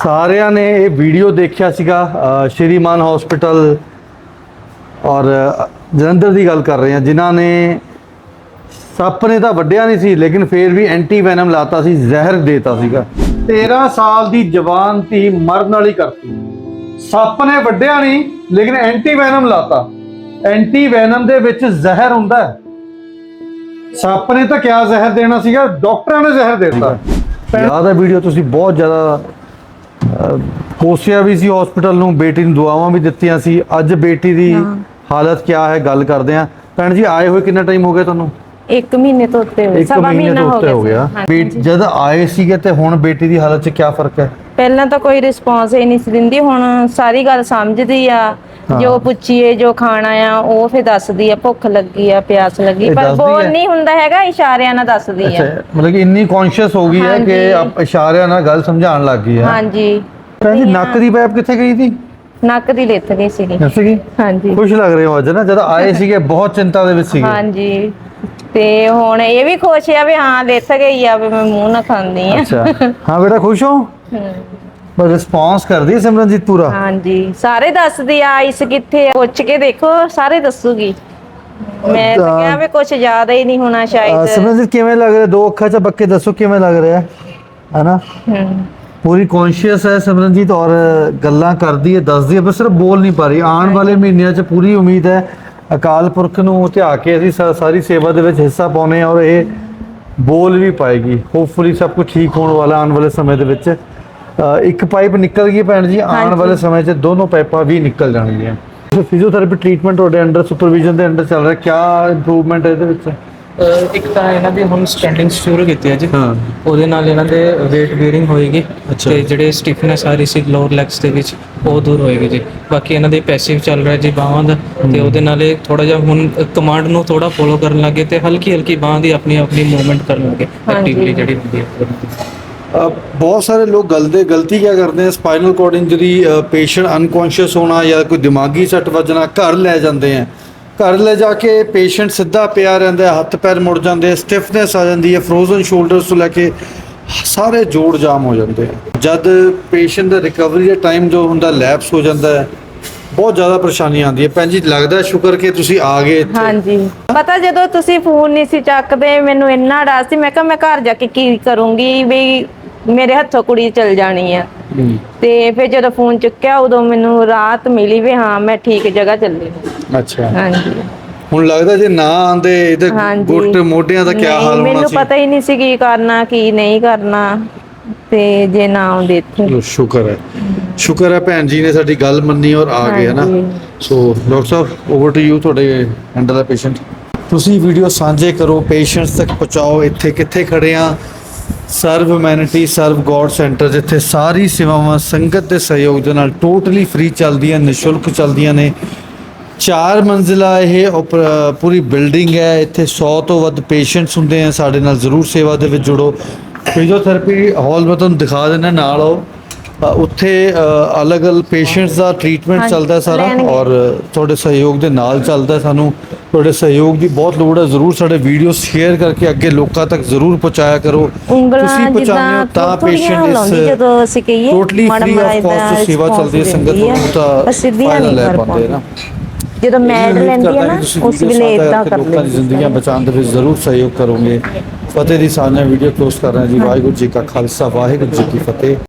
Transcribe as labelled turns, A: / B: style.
A: ਸਾਰਿਆਂ ਨੇ ਇਹ ਵੀਡੀਓ ਦੇਖਿਆ ਸੀਗਾ ਸ਼੍ਰੀ ਮਾਨ ਹਸਪੀਟਲ ਔਰ ਜਲੰਧਰ ਦੀ ਗੱਲ ਕਰ ਰਹੇ ਹਾਂ, ਜਿਨ੍ਹਾਂ ਨੇ ਸੱਪ ਨੇ ਤਾਂ ਵੱਢਿਆ ਨਹੀਂ ਸੀ ਲੇਕਿਨ ਫਿਰ ਵੀ ਐਂਟੀ ਵੈਨਮ ਲਾਤਾ ਸੀ, ਜ਼ਹਿਰ ਦੇਤਾ ਸੀਗਾ। 13 ਸਾਲ ਦੀ ਜਵਾਨ ਧੀ ਮਰਨ ਵਾਲੀ ਕਰਤੀ। ਸੱਪ ਨੇ ਵੱਢਿਆ ਨਹੀਂ ਲੇਕਿਨ ਐਂਟੀ ਵੈਨਮ ਲਾਤਾ। ਐਂਟੀ ਵੈਨਮ ਦੇ ਵਿੱਚ ਜ਼ਹਿਰ ਹੁੰਦਾ ਹੈ। ਸੱਪ ਨੇ ਤਾਂ ਕਿਆ ਜ਼ਹਿਰ ਦੇਣਾ ਸੀਗਾ, ਡਾਕਟਰਾਂ ਨੇ ਜ਼ਹਿਰ ਦੇ ਦਿੱਤਾ। ਯਾਦ ਹੈ ਵੀਡੀਓ, ਤੁਸੀਂ ਬਹੁਤ ਜ਼ਿਆਦਾ ਕੋਸਿਆ ਵੀ ਸੀ ਹਸਪੀਟਲ ਨੂੰ, ਬੇਟੀ ਨੂੰ ਦੁਆਵਾਂ ਵੀ ਦਿੱਤੀਆਂ ਸੀ। ਅੱਜ ਬੇਟੀ ਦੀ ਹਾਲਤ ਕਿਆ ਹੈ ਗੱਲ ਕਰਦੇ ਹਾਂ। ਭੈਣ ਜੀ ਆਏ ਹੋਏ ਕਿੰਨਾ ਟਾਈਮ ਹੋ ਗਿਆ ਤੁਹਾਨੂੰ?
B: 1 ਮਹੀਨੇ ਤੋਂ ਉੱਤੇ ਹੋਇਆ, ਸਵਾ ਮਹੀਨਾ ਹੋ ਗਿਆ।
A: ਜਦ ਆਏ ਸੀਗੇ ਤੇ ਹੁਣ ਬੇਟੀ ਦੀ ਹਾਲਤ 'ਚ ਕਿਆ ਫਰਕ ਹੈ?
B: ਪਹਿਲਾਂ ਤਾਂ ਕੋਈ ਰਿਸਪੌਂਸ ਹੀ ਨਹੀਂ ਸੀ ਦਿੰਦੀ, ਹੁਣ ਸਾਰੀ ਗੱਲ ਸਮਝਦੀ ਆ। ਜੋ ਪੁੱਛੀਏ ਜੋ ਖਾਣਾ ਆ ਉਹ ਫਿਰ ਦੱਸਦੀ ਆ, ਭੁੱਖ ਲੱਗੀ ਆ, ਪਿਆਸ ਲੱਗੀ, ਪਰ ਬੋਲ ਨਹੀਂ ਹੁੰਦਾ ਹੈਗਾ, ਇਸ਼ਾਰਿਆਂ ਨਾਲ ਦੱਸਦੀ ਆ।
A: ਮਤਲਬ ਕਿ ਇੰਨੀ ਕੌਨਸ਼ੀਅਸ ਹੋ ਗਈ ਹੈ ਕਿ ਇਸ਼ਾਰਿਆਂ ਨਾਲ ਗੱਲ ਸਮਝਾਉਣ ਲੱਗ ਗਈ ਹੈ।
B: ਹਾਂਜੀ।
A: ਭੈਣ ਜੀ ਨੱਕ ਦੀ ਪੈਪ ਕਿੱਥੇ ਗਈ ਸੀ?
B: ਨੱਕ ਦੀ ਲਿੱਥ ਗਈ ਸੀਗੀ। ਹਾਂਜੀ।
A: ਖੁਸ਼ ਲੱਗ ਰਹੇ ਹੋ ਅੱਜ ਨਾ, ਜਦ ਆਏ ਸੀਗੇ ਬਹੁਤ ਚਿੰਤਾ ਦੇ ਵਿੱਚ ਸੀਗੇ।
B: ਹਾਂਜੀ, ਤੇ ਹੁਣ ਇਹ ਵੀ ਖੁਸ਼ ਆ ਵੀ ਹਾਂ ਲਿੱਥ ਗਈ ਆ, ਵੀ ਮੈਂ ਮੂੰਹ ਨਾ ਖਾਂਦੀ ਆ।
A: ਅੱਛਾ, ਹਾਂ ਬੇਟਾ ਖੁਸ਼ ਹੋ? ਬਸ ਰਿਸਪੌਂਸ ਕਰਦੀ ਹੈ ਸਿਮਰਨਜੀਤ ਪੂਰਾ? ਹਾਂਜੀ,
B: ਸਾਰੇ ਦੱਸਦੀ ਆ। ਆਈਸ ਕਿੱਥੇ ਆ ਪੁੱਛ ਕੇ ਦੇਖੋ, ਸਾਰੇ ਦੱਸੂਗੀ। ਮੈਂ ਤਾਂ ਕਿਹਾ ਵੀ ਕੁਝ ਜ਼ਿਆਦਾ ਹੀ ਨਹੀਂ ਹੋਣਾ ਸ਼ਾਇਦ।
A: ਸਿਮਰਨਜੀਤ ਕਿਵੇਂ ਲੱਗ ਰਿਹਾ? 2 ਅੱਖਾਂ 'ਚ ਬੱਕੇ ਦੱਸੋ ਕਿਵੇਂ ਲੱਗ ਰਿਹਾ ਹੈ ਨਾ? ਪੂਰੀ ਕੌਨਸ਼ੀਅਸ ਹੈ ਸਿਮਰਨਜੀਤ ਔਰ ਗੱਲਾਂ ਕਰਦੀ ਹੈ, ਦੱਸਦੀ ਹੈ, ਪਰ ਸਿਰਫ ਬੋਲ ਨਹੀਂ ਪਾ ਰਹੀ। ਆਉਣ ਵਾਲੇ ਮਹੀਨਿਆਂ 'ਚ ਪੂਰੀ ਉਮੀਦ ਹੈ ਅਕਾਲ ਪੁਰਖ ਨੂੰ ਧਿਆ ਕੇ ਅਸੀਂ ਸਾਰੀ ਸੇਵਾ ਦੇ ਵਿੱਚ ਹਿੱਸਾ ਪਾਉਨੇ ਔਰ ਇਹ ਬੋਲ ਵੀ ਪਾਏਗੀ। ਹੋਪਫੁਲੀ ਸਭ ਕੁਝ ਠੀਕ ਹੋਣ ਵਾਲਾ ਆਉਣ ਵਾਲੇ ਸਮੇਂ ਦੇ ਵਿੱਚ। ਇੱਕ ਪਾਈਪ ਨਿਕਲ ਗਈ ਭੈਣ ਜੀ, ਆਉਣ ਵਾਲੇ ਸਮੇਂ 'ਚ ਦੋਨੋਂ ਪਾਈਪਾਂ ਵੀ ਨਿਕਲ ਜਾਣਗੀਆਂ। ਫਿਜ਼ੀਓਥੈਰੇਪੀ ਟ੍ਰੀਟਮੈਂਟ ਤੁਹਾਡੇ ਅੰਡਰ ਸੁਪਰਵਿਜ਼ਨ ਦੇ ਅੰਡਰ ਚੱਲ ਰਿਹਾ, ਕਿਆ ਇੰਪਰੂਵਮੈਂਟ ਹੈ ਇਹਦੇ ਵਿੱਚ?
C: ਇੱਕ ਤਾਂ ਇਹਨਾਂ ਦੀ ਹੁਣ ਸਟੈਂਡਿੰਗ ਸ਼ੁਰੂ ਕੀਤੀ ਹੈ ਜੀ। ਉਹਦੇ ਨਾਲ ਇਹਨਾਂ ਦੇ weight bearing ਹੋਏਗੀ ਤੇ ਜਿਹੜੇ ਸਟਿਫਨੈਸ ਆ ਰਹੀ ਸੀ ਲੋਅਰ ਲੈਗਸ ਦੇ ਵਿੱਚ ਉਹ ਦੂਰ ਹੋਏਗੀ ਜੀ। ਬਾਕੀ ਇਹਨਾਂ ਦੇ ਪੈਸਿਵ ਚੱਲ ਰਿਹਾ ਜੀ ਬਾਹਾਂ ਦਾ, ਤੇ ਉਹਦੇ ਨਾਲ ਇਹ ਥੋੜਾ ਜਿਹਾ ਹੁਣ ਕਮਾਂਡ ਨੂੰ ਥੋੜਾ ਫੋਲੋ ਕਰਨ ਲੱਗੇ ਤੇ ਹਲਕੀ ਹਲਕੀ ਬਾਹਾਂ ਦੀ ਆਪਣੀ ਮੂਵਮੈਂਟ ਕਰਨ ਲੱਗੇ ਐਕਟਿਵਲੀ ਜਿਹੜੀ ਹੁੰਦੀ ਹੈ।
A: ਬਹੁਤ ਸਾਰੇ ਲੋਕ ਗਲਤੀ ਕਿਆ ਕਰਦੇ ਆ, spinal cord injury, patient unconscious ਹੋਣਾ ਜਾਂ ਕੋਈ ਦਿਮਾਗੀ ਸੱਟ ਵੱਜਣਾ, ਘਰ ਲੈ ਜਾਂਦੇ ਆ। ਘਰ ਲੈ ਜਾ ਕੇ ਪੇਸ਼ੈਂਟ ਸਿੱਧਾ ਪਿਆ ਰਹਿੰਦਾ, ਹੱਥ ਪੈਰ ਮੁੜ ਜਾਂਦੇ, ਸਟਿਫਨੈਸ ਆ ਜਾਂਦੀ ਹੈ, ਫਰੋਜ਼ਨ ਸ਼ੋਲਡਰਸ ਤੋਂ ਲੈ ਕੇ ਸਾਰੇ ਜੋੜ ਜਾਮ ਹੋ ਜਾਂਦੇ ਆ। ਜਦ ਪੇਸ਼ੈਂਟ ਦਾ ਰਿਕਵਰੀ ਦਾ ਟਾਈਮ ਜੋ ਹੁੰਦਾ ਲੈਪਸ ਹੋ ਜਾਂਦਾ ਹੈ, ਬਹੁਤ ਜ਼ਿਆਦਾ ਪਰੇਸ਼ਾਨੀ ਆਉਂਦੀ ਹੈ। ਭੈਣ ਜੀ ਲੱਗਦਾ ਸ਼ੁਕਰ ਕਿ ਤੁਸੀਂ ਆ ਗਏ ਇੱਥੇ।
B: ਹਾਂਜੀ, ਪਤਾ ਜਦੋਂ ਤੁਸੀਂ ਫੋਨ ਨਹੀਂ ਸੀ ਚੱਕਦੇ ਮੈਨੂੰ ਇੰਨਾ ਡਰ ਸੀ, ਮੈਂ ਕਿਹਾ ਮੈਂ ਘਰ ਜਾ ਕੇ ਕੀ ਕਰੂੰਗੀ, ਵੀ ਮੇਰੇ ਹੱਥੋਂ ਕੁੜੀ ਚਲ ਜਾਣੀ ਆ। ਤੇ ਫਿਰ ਜਦੋਂ ਫੋਨ ਚੁੱਕਿਆ ਉਦੋਂ ਮੈਨੂੰ ਰਾਹਤ ਮਿਲੀ ਵੀ ਹਾਂ ਮੈਂ ਠੀਕ ਜਗ੍ਹਾ ਚੱਲੀ।
A: ਅੱਛਾ,
B: ਹਾਂਜੀ।
A: ਹੁਣ ਲੱਗਦਾ ਜੇ ਨਾ ਆਂਦੇ ਇਹਦੇ ਗੁੱਟ ਮੋਢਿਆਂ ਦਾ ਕੀ ਹਾਲ ਹੋਣਾ ਸੀ?
B: ਮੈਨੂੰ ਪਤਾ ਹੀ ਨਹੀਂ ਸੀ ਕੀ ਕਰਨਾ ਕੀ ਨਹੀਂ ਕਰਨਾ, ਤੇ ਜੇ ਨਾ ਆਉਂਦੇ ਇੱਥੇ।
A: ਸ਼ੁਕਰ ਹੈ ਭੈਣ ਜੀ ਨੇ ਸਾਡੀ ਗੱਲ ਮੰਨੀ ਔਰ ਆ ਗਏ ਹੈ ਨਾ। ਸੋ ਡਾਕਟਰ ਸਾਹਿਬ ਓਵਰ ਟੂ ਯੂ, ਤੁਹਾਡੇ ਹੈਂਡਲ ਦਾ ਪੇਸ਼ੈਂਟ। ਤੁਸੀਂ ਵੀਡੀਓ ਸਾਂਝੇ ਕਰੋ, ਪੇਸ਼ੈਂਟਸ ਤੱਕ ਪਹੁੰਚਾਓ। ਇੱਥੇ ਕਿੱਥੇ ਖੜੇ ਆ? Sarv humanity Sarv god centre, ਜਿੱਥੇ ਸਾਰੀ ਸੇਵਾਵਾਂ ਸੰਗਤ ਦੇ ਸਹਿਯੋਗ ਦੇ ਨਾਲ ਟੋਟਲੀ ਫ੍ਰੀ ਚੱਲਦੀਆਂ, ਨਿਸ਼ੁਲਕ ਚੱਲਦੀਆਂ ਨੇ। 4 ਮੰਜ਼ਿਲਾ ਇਹ ਪੂਰੀ ਬਿਲਡਿੰਗ ਹੈ। ਇੱਥੇ 100 ਤੋਂ ਵੱਧ ਪੇਸ਼ੈਂਟਸ ਹੁੰਦੇ ਆ। ਸਾਡੇ ਨਾਲ ਜ਼ਰੂਰ ਸੇਵਾ ਦੇ ਵਿੱਚ ਜੁੜੋ। ਫਿਜ਼ੀਓਥੈਰੇਪੀ ਹਾਲ ਮੈਂ ਤੁਹਾਨੂੰ ਦਿਖਾ ਦਿੰਦਾ ਨਾਲ ਆਓ। ਉੱਥੇ ਅਲੱਗ-ਅਲੱਗ ਪੇਸ਼ੈਂਟਸ ਦਾ ਟ੍ਰੀਟਮੈਂਟ ਚੱਲਦਾ ਸਾਰਾ ਔਰ ਤੁਹਾਡੇ ਸਹਿਯੋਗ ਦੇ ਨਾਲ ਚੱਲਦਾ। ਸਾਨੂੰ ਤੁਹਾਡੇ ਸਹਿਯੋਗ ਦੀ ਬਹੁਤ ਲੋੜ ਹੈ। ਜ਼ਰੂਰ ਸਾਡੇ ਵੀਡੀਓ ਸ਼ੇਅਰ ਕਰਕੇ ਅੱਗੇ ਲੋਕਾਂ ਤੱਕ ਜ਼ਰੂਰ ਪਹੁੰਚਾਇਆ ਕਰੋ। ਤੁਸੀਂ ਪਹੁੰਚਾਉਂਦੇ ਹੋ ਤਾਂ ਪੇਸ਼ੈਂਟ ਇਸ ਟੋਟਲੀ ਫ੍ਰੀ ਆਫ ਕਾਸਟ ਸੇਵਾ ਚੱਲਦੀ ਹੈ। ਸੰਗਤ ਨੂੰ ਤਾਂ ਫਾਇਦਾ ਲੈ ਪਾਉਂਦੇ ਨਾ।
B: ਜਦੋਂ ਮੈਡ ਲੈਂਦੀ ਹੈ ਨਾ ਉਸ ਵੇਲੇ ਇਦਾਂ ਕਰਦੇ।
A: ਲੋਕਾਂ ਦੀ ਜ਼ਿੰਦਗੀਆਂ ਬਚਾਉਣ ਦੇ ਵਿੱਚ ਜ਼ਰੂਰ ਸਹਿਯੋਗ ਕਰੋਗੇ। ਫਤਿਹ ਦੀ ਸਾਂਝਾ ਵੀਡੀਓ ਕਲੋਜ਼ ਕਰ ਰਹੇ ਹਾਂ ਜੀ। ਵਾਹਿਗੁਰੂ ਜੀ ਕਾ ਖਾਲਸਾ, ਵਾਹਿਗੁਰੂ ਜੀ ਕੀ ਫਤਿਹ।